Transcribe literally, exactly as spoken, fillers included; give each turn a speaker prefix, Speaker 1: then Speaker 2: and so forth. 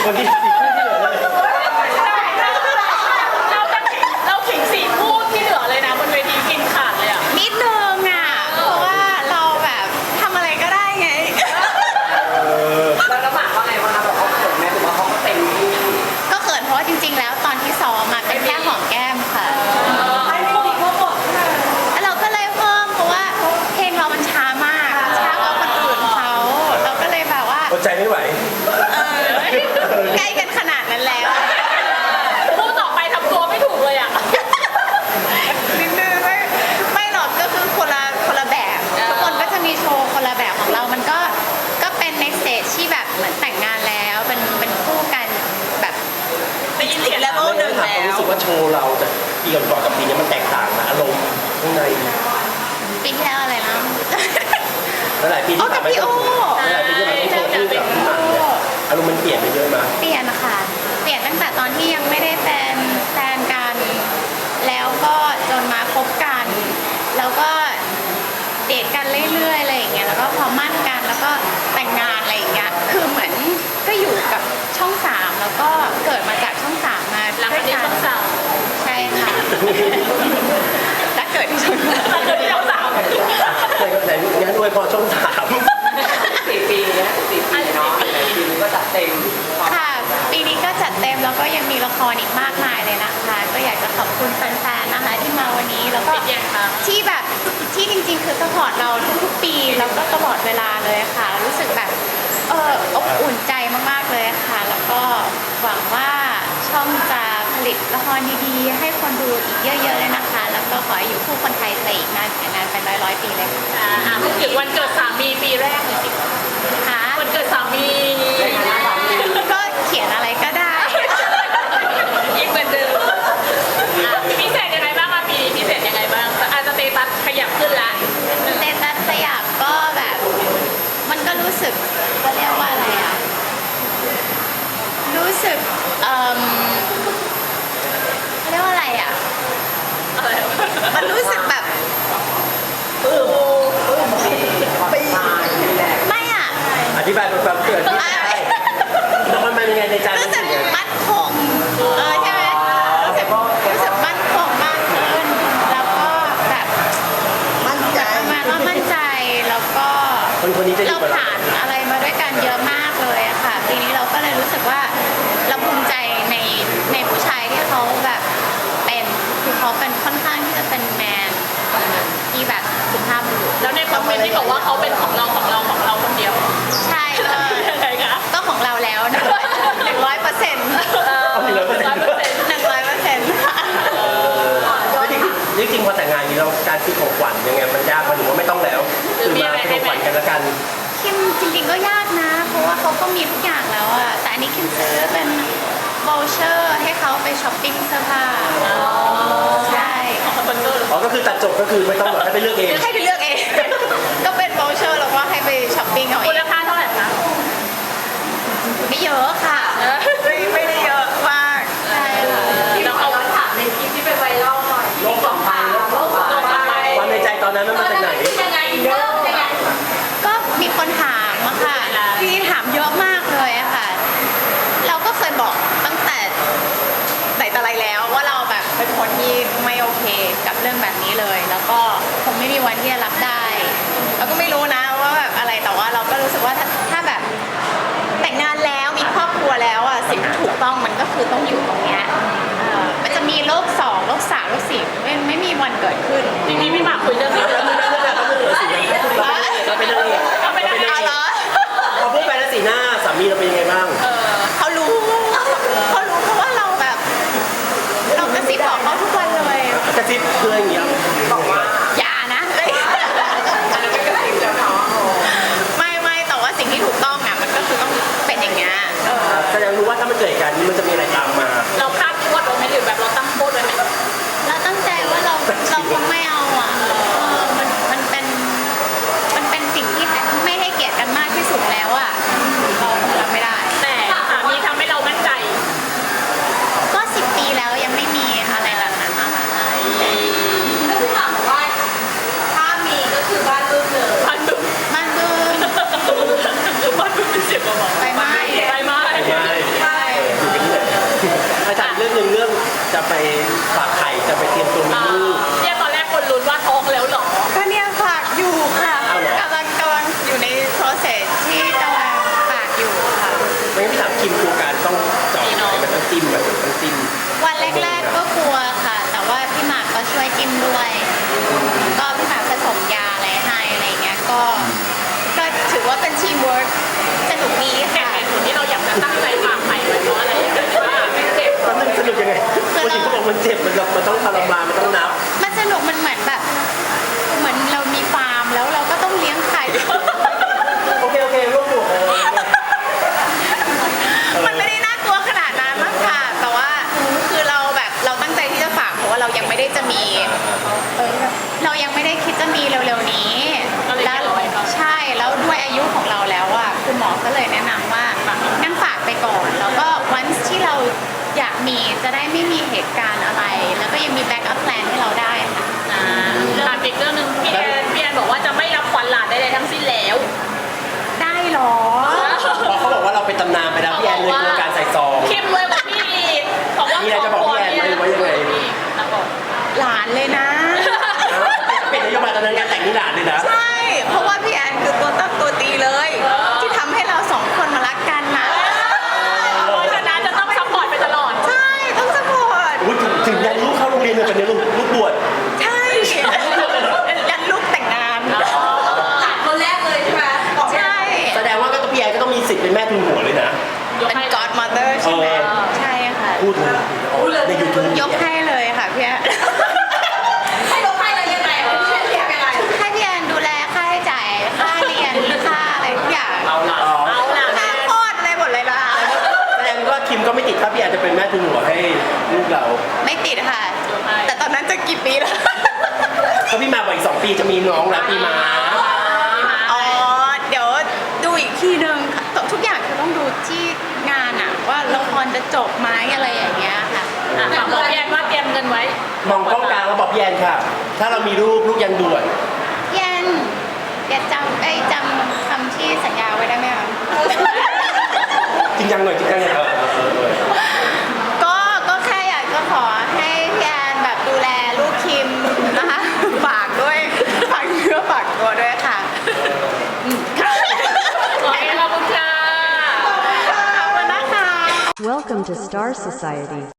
Speaker 1: คนที่สี่คู่ที่เหลือเลย
Speaker 2: เราจะเราขิงสี่คู่ที่เหลือเลยนะบนเวทีกินขาดเลยอ่ะ
Speaker 3: นิดนึงอ่ะเพราะว่าเราแบบทำอะไรก็ได้ไง
Speaker 4: แล้วก็หมากว่าไงบ้างคะบอกเขาเขินไหมหรือว่าเขาก็เต็มที่
Speaker 3: ก็เขินเพราะว่าจริงๆแล้วตอนที่ซ้อมมาเป็นแค่หอมแก้มค่ะ
Speaker 4: ให้ไม่ดีเขาบอก
Speaker 3: แล้วเราก็เลยเพิ่มเพราะว่าเพลงเรามันช้ามากช้ากว่าคนอื่นเขาเราก็เลยแบบว่า
Speaker 1: อดใจไม่ไหว
Speaker 3: เออใกล้กันขนาดนั้นแล้ว
Speaker 2: คู่ต่อไปทำตัวไม่ถูกเลยอ่ะ
Speaker 3: นิดนึงไม่ไม่หรอกก็คือคนละคนละแบบทุกคนก็จะมีโชว์คนละแบบของเรามันก็ก็เป็นในสเตจที่แบบเหมือนแต่งงานแล้วเป็นเป็นคู่กันแบบ
Speaker 2: ได้ยินเสียงแล้ว
Speaker 1: ไม่ได้ถามความรู้สึกว่าโชว์เราจากปีก่อนๆกับปีนี้มันแตกต่างนะอารมณ์ข้างใน
Speaker 3: ปีที่แล้วอะไรนะ
Speaker 1: หลายๆปีที่ผ่านมาหลายๆปีที่ผ่านมาโชว์คู่กับพี่หมากเนี่ยอารมณ์มันเปลี่ยนไปเยอะมาก
Speaker 3: เปลี่ยนนะคะเปลี่ยนตั้งแต่ตอนที่ยังไม่ได้เป็นแฟนกัน แล้วก็จนมาคบกัน แล้วก็เดทกันเรื่อยๆอะไรอย่างเงี้ย แล้วก็พอมั่นกัน แล้วก็แต่งงานอะไรอย่างเงี้ย คือเหมือนก็อยู่กับช่องสามแล้วก็เกิดมาจากช่องสามมา
Speaker 2: หลัง
Speaker 3: ด้
Speaker 2: จาว ก
Speaker 3: ย
Speaker 2: นี้
Speaker 3: กั
Speaker 2: ต้
Speaker 3: น
Speaker 2: องสาว
Speaker 3: ใช่ค่ะ และเกิดที่ช่องสาม
Speaker 2: หลังจากนี้ต้องสาว
Speaker 1: แต่แต่งั้นด้วยพอช่องสาม
Speaker 4: สี่ปีเนี้ยสี่ปีเนาะปีนี้ก็จัดเต็ม
Speaker 3: ค่ะปีนี้ก็จัดเต็มแล้วก็ยังมีละครอีกมากมายเลยนะคะ ก็อยากจะขอบคุณแฟนๆนะคะที่มาวันนี้แล้วก็
Speaker 2: ปิดยังคะ
Speaker 3: ที่แบบที่จริงๆคือสปอร์ตเราทุกๆปีแล้วก็ตลอดเวลาเลยค่ะ รู้สึกแบบเอออบอุ่นใจมากๆเลยค่ะ แล้วก็หวังว่าช่องจะผลิตละครดีๆ ให้คนดูอีกเยอะๆเลยนะคะ แล้วก็ขอให้อยู่คู่คนไทยไปอีกนานนานเป็นร้อยๆปีเลยค่ะ
Speaker 2: อ่าอ่ะพูดถึงวันเกิดสามีปีแรกหน่อยสิ
Speaker 3: ค่ะ
Speaker 2: วันเกิดสามี
Speaker 3: ก็เขียนอะไรก็ได้
Speaker 2: อีกเหมือนเดิมอ่ะพิเศษยังไงบ้างคะปีพิเศษยังไงบ้างอาจจะสเตตัสขยับขึ้นละ
Speaker 3: สเตตัสสยามก็แบบมันก็รู้สึกเขาเรียกว่าอะไรอ่ะ รู้สึกเอ่มเขาเรียกว่าอะไรอ่ะ
Speaker 2: อะไรวะ
Speaker 3: มันรู้สึกแบบ
Speaker 4: ปีนี่แหละ
Speaker 3: ไม่อ่ะ
Speaker 1: อธิบายเป็นความเกิดที่ใช่แล้วมันเป็นยังไงในใจ
Speaker 3: รู้
Speaker 1: รู้
Speaker 3: สึ
Speaker 1: สึ
Speaker 3: ก
Speaker 1: กยังไง
Speaker 3: มั่นคงเออใช่ไหมรู้สึกรู้สึกมั่นคงมากขึ้น แล้วก็แบบ
Speaker 4: มั่นใจ
Speaker 3: ประมาณว่ามั่นใจแล้วก็
Speaker 1: คนคนนี้จะอ
Speaker 3: เรา
Speaker 1: ยู่กับเรา
Speaker 3: ผ่านอะไรมาด้วยกันเยอะมากเลยอะค่ะ ปีนี้เราก็เลยรู้สึกว่าเราภูมิใจในในผู้ชายที่เขาแบบเป็นคือเขาเป็นค่อนข้างที่จะเป็นแมนคนหนึ่งที่แบบสุภาพบุรุษ
Speaker 2: แล้วในคอมเมนต์ที่บอกว่าเขาเป็นของเราของเราของเราคนเดียว
Speaker 3: ใช่ก็
Speaker 2: ยังไงคะ
Speaker 3: ก็ของเราแล้วนะหนึ่งร้อยเปอร์เซ็นต์
Speaker 1: เอาหนึ่งร้อยเปอร์เซ็นต์
Speaker 3: หนึ่งร้อยเปอร์เซ็นต์
Speaker 1: แล้วจริงๆจริงๆพอแต่งงานอย่างนี้เราการซื้อของขวัญยังไงมันยากมันหรือว่าไม่ต้องแล้วคือมาเป็นของขวัญกันแล้วกัน
Speaker 3: คิมจริงๆก็ยากนะ เพราะว่าเขาก็มีทุกอย่างแล้วอะแต่อันนี้คิมซื้อเป็นโบเชอร์ให้เขาไปช้อปปิ้งเสื้อผ้าใช่
Speaker 2: คนเกิด
Speaker 1: อ๋อก็คือตัดจบก็คือไม่ต้องแบบให้ไปเลือกเอง
Speaker 3: ให้ไปเลือกเอง ก็เป็นโบเชอร์แล้วก็ให้ไปช้อปปิ้งเอาเอ
Speaker 2: มูล
Speaker 3: ง
Speaker 2: ค่าเท่าไหร่คะ
Speaker 3: ไม่เยอะค่ะไม่ไม่ได้เยอะมากใช่ค่ะ
Speaker 4: เราเอาถามในคลิปที่เป็นไวรัลหน่อยโลกสองใบโลกสองใบ
Speaker 1: ความในใจตอนนั้นมันมาจากไหน
Speaker 2: ยังไงเริ่มยังไง
Speaker 3: ก็มีคนถามอะค่ะที่ถามเยอะมากเลยอะค่ะ เราก็เคยบอกตั้งแต่ไหนแต่ไรแล้วว่าเราแบบเป็นคนที่ไม่โอเคกับเรื่องแบบนี้เลย แล้วก็คงไม่มีวันที่จะรับได้เราก็ไม่รู้นะว่าแบบอะไรแต่ว่าเราก็รู้สึกว่าถ้าถ้าแบบแต่งงานแล้วมีครอบครัวแล้วอะสิ่งที่ถูกต้องมันก็คือต้องอยู่ตรงเนี้ยเอ่อมันจะมีโลกสองโลกสามโลกสี่ไม่ไม่มีวันเกิดขึ้น
Speaker 2: จริงๆพี่หมากคุยเรื่องนี้
Speaker 1: แล้วมึงเลือกเลือกแล้วมึงเหลือสีเราเป็นเลือกเองเราเป็นเลือกเอง
Speaker 3: เอาเหรอ
Speaker 1: พอพูดไปแล้วสีหน้าสามีเราเป็นยังไงบ้าง
Speaker 2: เออ
Speaker 3: เขารู้เขารู้เพราะว่าเราแบบ เรากระซิบบอกเขาทุกวันเลย
Speaker 1: กระซิบเพื่อนอย่างเงี้ย
Speaker 4: บอกว่า
Speaker 3: อย่านะ
Speaker 4: อันนั้นไม่กระติบแล้วเนาะ
Speaker 3: ไม่ไม่แต่ว่าสิ่งที่ถูกต้องอ่ะมันก็คือต้องเป็นอย่างเงี้ยเออ
Speaker 1: แสดงรู้ว่าถ้ามันเกิดเหตุการณ์นี้มันจะมีอะไรตามมา
Speaker 2: เราคาดโทษไว้ไหมหรือแบบเราตั้งโทษไว้ไหม
Speaker 3: เราตั้งใจว่าเราเราคงไม่เอาอ่ะเออมันมันเป็นมันเป็นสิ่งที่ไม่ให้เกียรติกันมากที่สุดแล้วอ่ะเราคงรับไม่ได้
Speaker 2: แต่สามีทำให้เรามั่นใจ
Speaker 3: ก็สิบปีแล้วยังไม่มีอะไรแบบนั้นอะค่ะ
Speaker 4: ก็คือถามว่าถ้ามีก็คือบ้านรูปเลย
Speaker 2: พันดุ
Speaker 3: มันคือ
Speaker 2: พันดุเป็นเสียงเบาๆ
Speaker 3: ไปไหม้
Speaker 2: ไปไหม้
Speaker 1: ไม่
Speaker 4: ใช่
Speaker 1: จะไปฝากไข่จะไปเตรียมตัวมีลูก
Speaker 2: เนี่ยตอนแรกคนลุ้นว่าท้องแล้วเหรอ
Speaker 3: ก็เนี่ยฝากอยู่ค่ะ
Speaker 1: เอาเหรอ
Speaker 3: กำลังกำลังอยู่ใน process ที่กำลังฝากอยู่ค่ะ
Speaker 1: ไม่งั้นพี่ถามคิมกลัวการต้องเจาะไข่มันต้องจิ้มแบบต้องจิ้ม
Speaker 3: วันแรกๆก็กลัวค่ะ แต่ว่าพี่หมากก็ช่วยจิ้มด้วย ก็พี่หมากผสมยาอะไรให้อะไรเงี้ย ก็ ก็ถือว่าเป็นทีมเวิร์กสนุกดี
Speaker 2: เหตุ
Speaker 3: ค่ะ
Speaker 2: ผลที่เราอยากจะตั้งใจฝากไข่ไว้เพราะอะไรอยากจะว่าไม่เจ็บ
Speaker 1: มันสนุกยังไงคนอื่นเขาบอกมันเจ็บมันแบบมันต้องทรมานมันต้องนับ
Speaker 3: มันสนุกมันเหมือนแบบ เหมือนเรามีฟาร์มแล้วเราก็ต้องเลี้ยงไข่
Speaker 1: โอเคโอเคร่วมบวกเออ
Speaker 3: มันไม่ได้น่ากลัวขนาดนั้นมั้งค่ะ แต่ว่าคือเราแบบเราตั้งใจที่จะฝากเพราะว่าเรายังไม่ได้จะมีเออเรายังไม่ได้คิดจะมีเร็วๆนี้
Speaker 2: ก็เลย
Speaker 3: แล้
Speaker 2: เก็
Speaker 3: ว
Speaker 2: บเอาไว้ก่อน
Speaker 3: ใช่แล้วด้วยอายุของเราแล้วอ่ะคุณหมอก็เลยแนะนำว่างั้นฝากไปก่อน แล้วก็วันที่เราอยากมีจะได้ไม่มีเหตุการณ์อะไร แล้วก็ยังมีแบ็กอัพแพลนให้เราได้ค่ะ
Speaker 2: อ่าถามอีกเรื่องหนึ่งพี่แอนพี่แอนบอกว่าจะไม่รับขวัญหลานใดๆทั้งสิ้นแล้ว
Speaker 3: ได้เหรอ
Speaker 1: พอเขาบอกว่าเราเป็นตำนานไปแล้วพี่แอนเลยกลัวการใส่ซอง
Speaker 2: เข้มเลยกว่าพี่อีกบอกว่า
Speaker 1: มีอะไรจะบอกพี่แอนไหมหรือว่ายังไง
Speaker 2: นะบอก
Speaker 3: หลานเลยนะ
Speaker 1: เป็นนโยบายตอนนั้นงานแต่งนี่หลานเลยนะ
Speaker 3: ใช่ เพราะว่าพี่แอนคือตัวตั้งตัวตีเลย ที่ทำให้เราสองคนมารักกันนะ
Speaker 2: เพราะฉะนั้นจะต้องซัพพอร์ตไปตลอด
Speaker 3: ใช่ ต้องสปอร์ต
Speaker 1: อุ๊ยถึงถึงยันลูกเข้าโรงเรียนเลยเป็นลูกลูกบวช
Speaker 3: ใช่ ยันลูกแต่งงาน
Speaker 4: หลานคนแรกเลยใช่ไหมบอก
Speaker 3: ใช่
Speaker 1: แสดงว่าก็พี่แอนก็ต้องมีสิทธิ์เป็นแม่ทุนหัวเลยนะ
Speaker 3: เป็น godmother ใช่ไหม
Speaker 1: เออ
Speaker 3: ใช่ค่ะ
Speaker 1: พูดเลยในยูทูบ
Speaker 3: ยกให้เลยค่ะพี่แอน
Speaker 4: ให้ลงให้เรายังไงอ่ะพี่เชนเรียกยังไง
Speaker 3: ให้พี่แอนดูแลค่าใช้จ่ายค่าเรียนค่าอะไรทุกอย่าง
Speaker 1: เอาละอ๋อ
Speaker 2: เอาล่ะ
Speaker 3: ค่าคลอดอะไรหมดเลยนะ
Speaker 1: แสดงว่าคิมก็ไม่ติดถ้าพี่แอนจะเป็นแม่ทุนหัวให้ลูกเรา
Speaker 3: ไม่ติดค่ะ แต่ตอนนั้นจะกี่ปีแล้ว
Speaker 1: ถ้าพี่มาบอกอีกสองปีจะมีน้องแล้วพี่มา
Speaker 3: อ๋อ เดี๋ยวดูอีกทีนึงค่ะทุกอย่างคือต้องดูที่งานอะว่าละครจะจบไหมอะไรอย่างเงี้ยค่ะ
Speaker 2: อ่ะฝากบอกพี่แอนว่าเตรียมเงินไว้
Speaker 1: มองกล้องกลางแล้วบอกพี่แอนค่ะ ถ้าเรามีลูกลูกยันด่วน
Speaker 3: พี่แอนอย่าจำไอ้ยจำคำที่สัญญาไว้ได้ไหมคะ
Speaker 1: จริงจังหน่อยจริงจังหน่อยเออเออเออเออ
Speaker 3: ก็ก็แค่อยากจะขอให้พี่แอนแบบดูแลลูกคิมนะคะ ฝากด้วยฝากเนื้อฝากตัวด้วยค่ะอืมค่ะ
Speaker 2: โอเคขอบคุณค่ะ
Speaker 3: ขอบคุณนะคะ
Speaker 5: Welcome to Star Society.